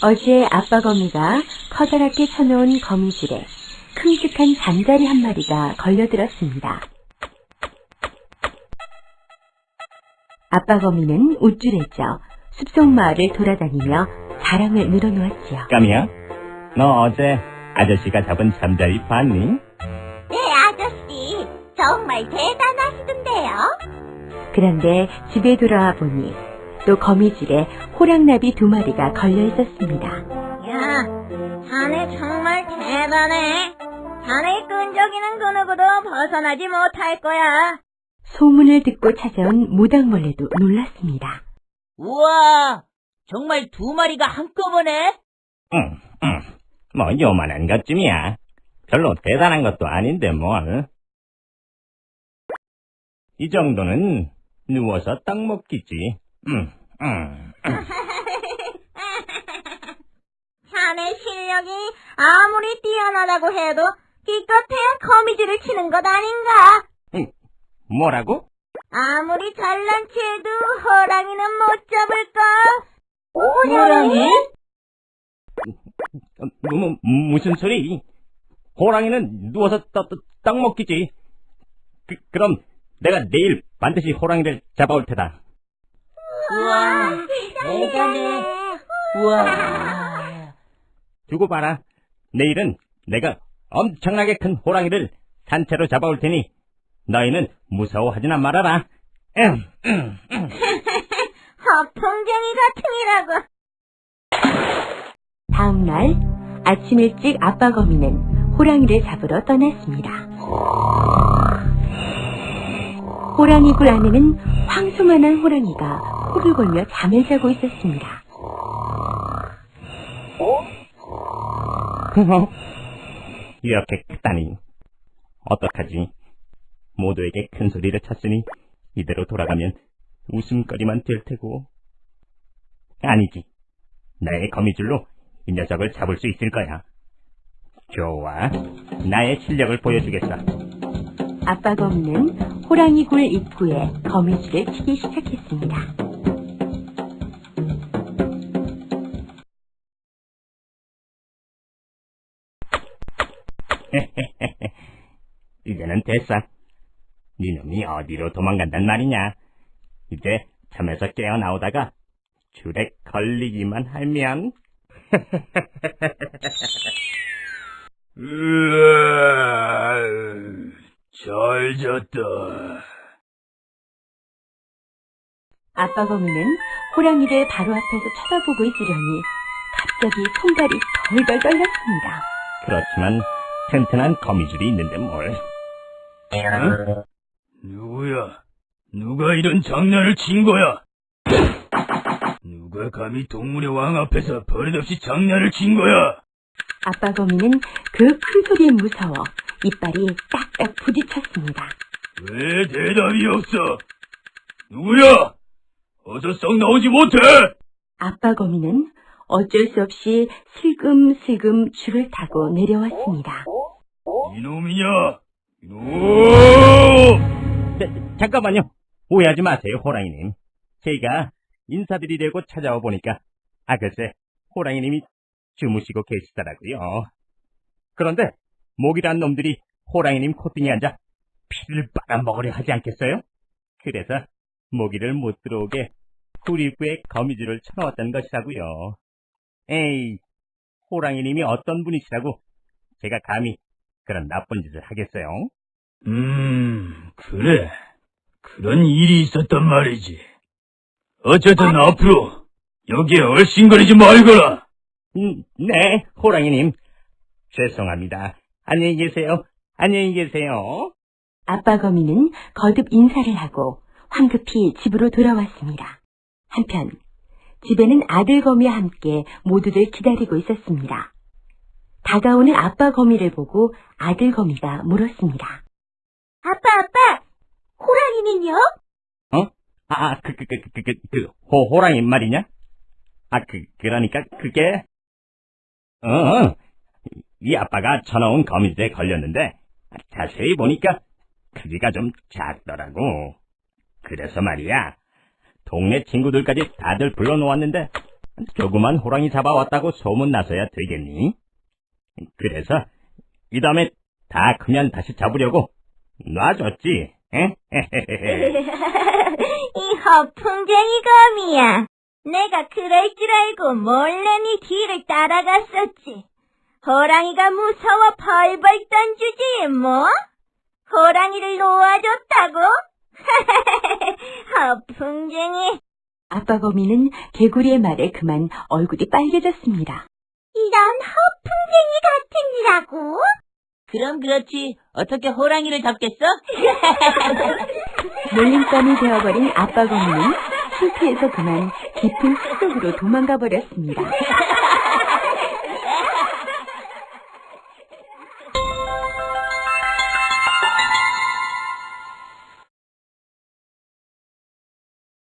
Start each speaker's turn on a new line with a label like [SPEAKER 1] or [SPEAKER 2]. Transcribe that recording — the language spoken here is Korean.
[SPEAKER 1] 어제 아빠 거미가 커다랗게 쳐놓은 거미줄에 큼직한 잠자리 한 마리가 걸려들었습니다. 아빠 거미는 우쭐했죠. 숲속 마을을 돌아다니며 자랑을 늘어놓았지요.
[SPEAKER 2] 까미야, 너 어제 아저씨가 잡은 잠자리 봤니?
[SPEAKER 3] 네, 아저씨. 정말 대단하시던데요.
[SPEAKER 1] 그런데 집에 돌아와 보니 또 거미줄에 호랑나비 2마리가 걸려 있었습니다.
[SPEAKER 3] 야, 자네 정말 대단해. 자네의 끈적이는 그 누구도 벗어나지 못할 거야.
[SPEAKER 1] 소문을 듣고 찾아온 무당벌레도 놀랐습니다.
[SPEAKER 4] 우와, 정말 2마리가 한꺼번에?
[SPEAKER 2] 응. 뭐 요만한 것쯤이야. 별로 대단한 것도 아닌데 뭘. 이 정도는 누워서 떡 먹기지.
[SPEAKER 3] 자네 실력이 아무리 뛰어나다고 해도 기껏해야 거미줄을 치는 것 아닌가?
[SPEAKER 2] 뭐라고?
[SPEAKER 3] 아무리 잘난 체해도 호랑이는 못 잡을까?
[SPEAKER 4] 호랑이?
[SPEAKER 2] 무슨 소리? 호랑이는 누워서 떡 먹기지. 그럼 내가 내일 반드시 호랑이를 잡아올 테다.
[SPEAKER 4] 우와, 대단해. 우와.
[SPEAKER 2] 두고 봐라. 내일은 내가 엄청나게 큰 호랑이를 산채로 잡아올 테니 너희는 무서워하지나 말아라.
[SPEAKER 3] 허풍쟁이 같으니라고.
[SPEAKER 1] 다음 날 아침 일찍 아빠 거미는 호랑이를 잡으러 떠났습니다. 호랑이 굴 안에는 황소만한 호랑이가 코를 골며 잠을 자고 있었습니다.
[SPEAKER 2] 이렇게 크다니. 어떡하지? 모두에게 큰 소리를 쳤으니 이대로 돌아가면 웃음거리만 될 테고. 아니지. 나의 거미줄로 이 녀석을 잡을 수 있을 거야. 좋아. 나의 실력을 보여주겠어.
[SPEAKER 1] 아빠 거미는 호랑이 굴 입구에 거미줄을 치기 시작했습니다.
[SPEAKER 2] 이제는 됐어. 니놈이 어디로 도망간단 말이냐. 이제 잠에서 깨어나오다가 줄에 걸리기만 하면.
[SPEAKER 5] 잘 잤다.
[SPEAKER 1] 아빠 거미는 호랑이를 바로 앞에서 쳐다보고 있으려니 갑자기 손발이 덜덜 떨렸습니다.
[SPEAKER 2] 그렇지만 튼튼한 거미줄이 있는데 뭘.
[SPEAKER 5] 누구야? 누가 이런 장난을 친 거야? 누가 감히 동물의 왕 앞에서 버릇없이 장난을 친 거야?
[SPEAKER 1] 아빠 거미는 그 큰 소리에 무서워 이빨이 딱딱 부딪혔습니다.
[SPEAKER 5] 왜 대답이 없어? 누구야? 어서 썩 나오지 못해!
[SPEAKER 1] 아빠 거미는 어쩔 수 없이 슬금슬금 줄을 타고 내려왔습니다.
[SPEAKER 5] 이놈이냐? 이놈!
[SPEAKER 2] 잠깐만요. 오해하지 마세요, 호랑이님. 제가 인사드리려고 찾아와 보니까 글쎄 호랑이님이 주무시고 계시더라고요. 그런데 모기란 놈들이 호랑이님 콧등에 앉아 피를 빨아먹으려 하지 않겠어요? 그래서 모기를 못 들어오게 굴 입구에 거미줄을 쳐놓았던 것이라고요. 에이, 호랑이님이 어떤 분이시라고 제가 감히 그런 나쁜 짓을 하겠어요?
[SPEAKER 5] 그래. 그런 일이 있었단 말이지. 어쨌든 앞으로 여기에 얼씬거리지 말거라.
[SPEAKER 2] 네, 호랑이님. 죄송합니다. 안녕히 계세요. 안녕히 계세요.
[SPEAKER 1] 아빠 거미는 거듭 인사를 하고 황급히 집으로 돌아왔습니다. 한편 집에는 아들 거미와 함께 모두들 기다리고 있었습니다. 다가오는 아빠 거미를 보고 아들 거미가 물었습니다.
[SPEAKER 3] 아빠, 호랑이는요?
[SPEAKER 2] 호랑이 말이냐? 그러니까 그게, 이 아빠가 쳐놓은 거미줄에 걸렸는데, 자세히 보니까 크기가 좀 작더라고. 그래서 말이야, 동네 친구들까지 다들 불러놓았는데, 조그만 호랑이 잡아왔다고 소문나서야 되겠니? 그래서 이 다음에 다 크면 다시 잡으려고 놔줬지.
[SPEAKER 3] 이 허풍쟁이 거미야. 내가 그럴 줄 알고 몰래 네 뒤를 따라갔었지. 호랑이가 무서워 벌벌 던지지 뭐? 호랑이를 놓아줬다고? 허풍쟁이.
[SPEAKER 1] 아빠 거미는 개구리의 말에 그만 얼굴이 빨개졌습니다.
[SPEAKER 3] 이런 허풍쟁이 같은 이라고?
[SPEAKER 4] 그럼 그렇지. 어떻게 호랑이를 잡겠어?
[SPEAKER 1] 놀림감이 되어버린 아빠 거미는 창피해서 그만 깊은 숲속으로 도망가 버렸습니다.